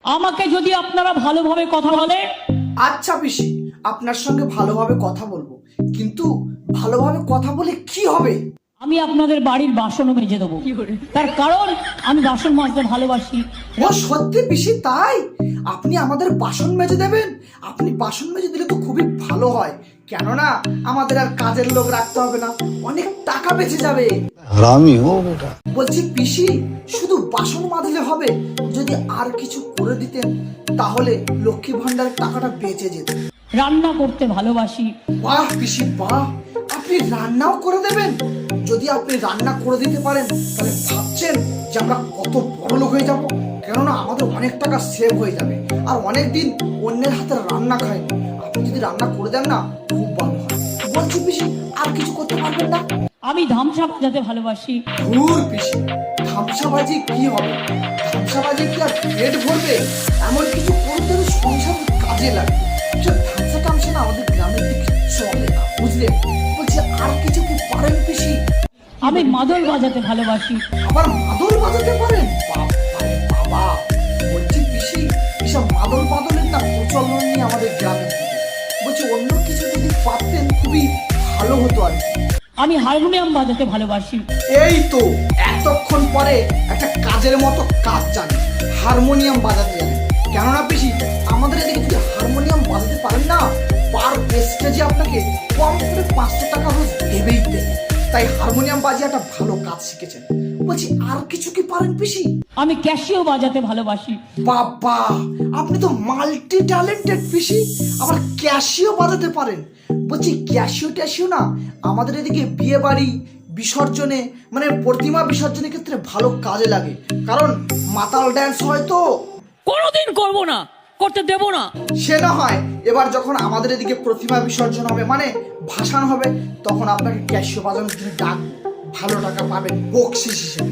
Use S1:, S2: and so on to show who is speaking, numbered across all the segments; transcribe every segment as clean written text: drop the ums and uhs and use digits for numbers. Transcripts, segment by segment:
S1: আমাকে যদি আপনারা ভালোভাবে কথা বলে।
S2: আচ্ছা পিসি, আপনার সঙ্গে ভালোভাবে কথা বলবো, কিন্তু ভালোভাবে কথা বলে কি হবে?
S1: আমি আপনাদের বাড়ির বাসনও মেজে দেবো, তার কারণ আমি বাসন মাজতে ভালোবাসি।
S2: ও সত্যি পিসি তাই? আপনি আমাদের বাসন মেজে দেবেন? আপনি বাসন মেজে দিলে তো খুবই ভালো হয়, কেননা আমাদের আর কাজের লোক রাখতে হবে না, অনেক টাকা বেঁচে যাবে।
S3: হারামি হো বেটা।
S2: বলছি পিসি, শুধু বাসন মাজলে হবে? যদি আর কিছু করে দিতেন তাহলে লক্ষ্মী ভান্ডারের টাকাটা বেঁচে যেত।
S1: রান্না করতে ভালোবাসি।
S2: বাহ পিসি বাহ, আপনি রান্নাও করে দেবেন? যদি আপনি রান্না করে দিতে পারেন তাহলে ভাবছেন যে আমরা কত বড় লোক হয়ে যাব, কেননা আমাদের অনেক টাকা সেভ হয়ে যাবে, আর অনেক দিন অন্যের হাতে রান্না খাইনি। আপনি যদি রান্না করে দেন না, খুব ভালো হয়। বলছি পিসি, আর কিছু করতে পারবেন না?
S1: আমি ধামসা বাজাতে ভালোবাসি।
S2: ধুর পিসি, ধামসাবাজি কি হবে? ধামসাবাজি কি আর পেট ভরবে? এমন কিছু করতে হলে সংসার কাজে লাগবে। ধামসা টামসা না আমাদের গ্রামের দিকে চলে না, বুঝলে? বলছি আর কিছু কি পারেন পিসি?
S1: আমি মাদল বাজাতে ভালোবাসি।
S2: আবার মাদল বাজাতে পারেন? বাবারে বাবা! বলছি পিসি, এসব মাদল বাদলের না প্রচলন নেই আমাদের গ্রামের দিকে। বলছি অন্য কিছু যদি পারতেন খুবই ভালো হতো আর কি।
S1: আমি হারমোনিয়াম বাজাতে ভালোবাসি।
S2: এই তো এতক্ষণ পরে একটা কাজের মতো কাজ জানি, হারমোনিয়াম বাজাতে জানেন। কেননা পিসি, আমাদের এদিকে যদি হারমোনিয়াম বাজাতে পারেন না, পার স্টেজে আপনাকে কম করে 500 টাকা রোজ দেবেই দেবে। তাই হারমোনিয়াম বাজিয়ে একটা ভালো কাজ শিখেছেন। বলছি আর কিছু কি পারেন পিসি?
S1: আমি ক্যাশিও বাজাতে ভালোবাসি।
S2: বাবা, আপনি তো মাল্টি ট্যালেন্টেড পিসি, আবার ক্যাশিও বাজাতে পারেন। বলছি ক্যাশিও ট্যাশিও না আমাদের এদিকে বিয়ে বাড়ি বিসর্জনে, মানে প্রতিমা বিসর্জনের ক্ষেত্রে ভালো কাজে লাগে, কারণ মাতাল ড্যান্স হয় তো।
S1: কোনোদিন করব না, করতে দেব না।
S2: সে না হয় এবার যখন আমাদের এদিকে প্রতিমা বিসর্জন হবে, মানে ভাসান হবে, তখন আপনাকে ক্যাশিও বাজানোর জন্য ডাকবো, ভালো টাকা পাবেন বকশিস হিসেবে।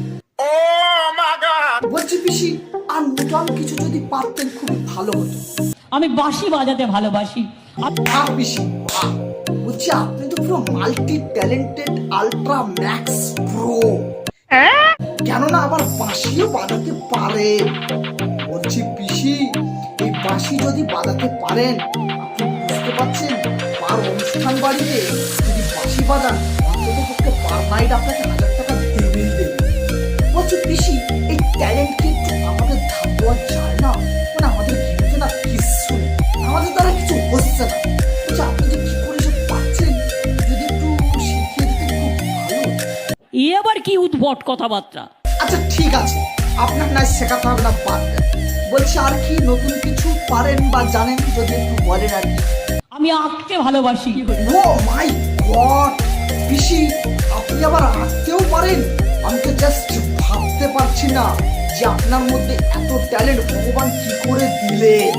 S2: বলছি পিসি, আর নতুন কিছু যদি পারতেন খুব ভালো হতো।
S1: আমি বাঁশি বাজাতে ভালোবাসি।
S2: বাহ পিসি বাহ! বলছি আপনি তো পুরো multi talented ultra max pro, কেননা আবার বাঁশিও বাজাতে পারেন। বলছি পিসি, এই বাঁশি যদি বাজাতে পারেন, আপনি বুঝতে পারছেন, পার অনুষ্ঠান বাড়িতে যদি বাঁশি বাজান, অন্তত পক্ষে পার নাইট আপনাকে 1000 টাকা দেবেই দেবে। বলছি পিসি, এই ট্যালেন্ট কিন্তু আমাদের ধাপ দেওয়া যায় না, মানে আমাদের কিন্তু না কিছু নেই, আমাদের দ্বারা কিছু হচ্ছে না। বলছি আপনি যে কি করে সব পাচ্ছেন, যদি একটু শিখিয়ে দিতেন খুব ভালো হতো।
S1: এ আবার কি উদ্ভট কথাবার্তা?
S2: আচ্ছা ঠিক আছে, আপনার নাই শেখাতে হবে না, বাদ দেন। বলছি আর কি নতুন কিছু পারেন বা জানেন, যদি একটু বলেন আর কি।
S1: আমি আঁকতে ভালোবাসি।
S2: ও মাই গড পিসি, আপনি আবার আঁকতেও পারেন? আমি তো জাস্ট ভাবতে পারছি না যে আপনার মধ্যে এত ট্যালেন্ট ভগবান কি করে দিলেন।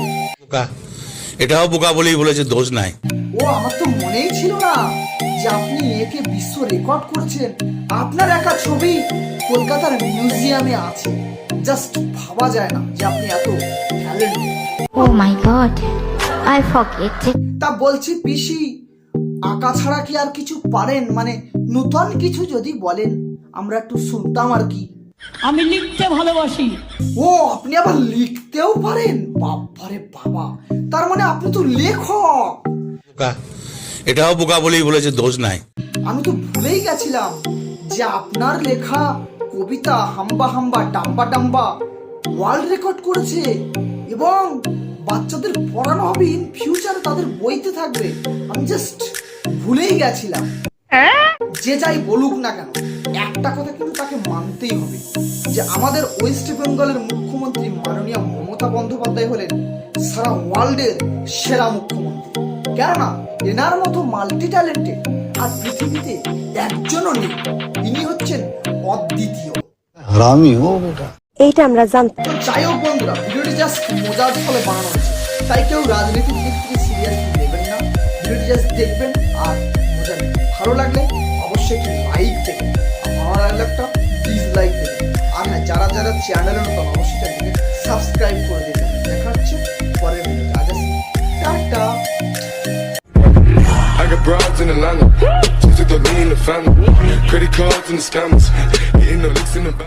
S3: এটাও বোকা বলেই বলেছে, দোষ নাই।
S2: ও আমার তো মনেই ছিল না যে আপনি একে বিশ্ব রেকর্ড করেছেন। আপনার একা ছবি কলকাতার মিউজিয়ামে আছে, জাস্ট ভাবা যায় না যে আপনি এত talent.
S4: Oh my god, I forget it.
S2: তা বলছি পিসি, আঁকা ছাড়া কি আর কিছু পারেন? মানে নতুন কিছু যদি বলেন আমরা একটু শুনতাম আর কি।
S1: আমি লিখতে ভালোবাসি।
S2: ও আপনি আবার লিখতেও পারেন? বাবারে বাবা, তার মানে আপনি তো লেখক।
S3: এটাও বোকা বলেই বলেছে, দোষ নাই।
S2: আমি তো ভুলেই গেছিলাম যে আপনার লেখা কবিতা হাম্বা হাম্বা ডাম্বা ডাম্বা ওয়ার্ল্ড রেকর্ড করেছে, এবং বাচ্চাদের পড়ানো হবে, ইন ফিউচারে তাদের বইতে থাকবে। আমি জাস্ট ভুলেই গেছিলাম। যে যাই বলুক না কেন, একটা কথা কিন্তু তাকে মানতেই হবে যে আমাদের ওয়েস্ট বেঙ্গলের মুখ্যমন্ত্রী মাননীয় মমতা বন্দ্যোপাধ্যায় হলেন সারা ওয়ার্ল্ডের সেরা মুখ্যমন্ত্রী। কেননা এনার মতো মাল্টি ট্যালেন্টেড আর পৃথিবীতে একজনও নেই, ইনি হচ্ছেন অদ্বিতীয়।
S3: হারামি হো বেটা।
S4: এইটা আমরা জানতাম।
S2: তো যাই হোক বন্ধুরা, ভিডিওটি জাস্ট মজার ফলে বানানো হয়েছে, তাই কেউ রাজনীতির দিক থেকে সিরিয়াসলি নেবেন না। ভিডিওটি জাস্ট দেখবেন আর মজা নেবেন। ভালো লাগলে অবশ্যই একটি লাইক দেবেন, আর ভালো লাগলে একটা ডিসলাইক দেবেন। আর হ্যাঁ, যারা যারা চ্যানেলে নতুন অবশ্যই চ্যানেলকে সাবস্ক্রাইব করে দেবেন। দেখা হচ্ছে পরের ভিডিওতে। আজ আসি, টাটা।
S5: I got broads in Atlanta, just took the lean in the family, credit cards and the scammers, hitting the licks in the back.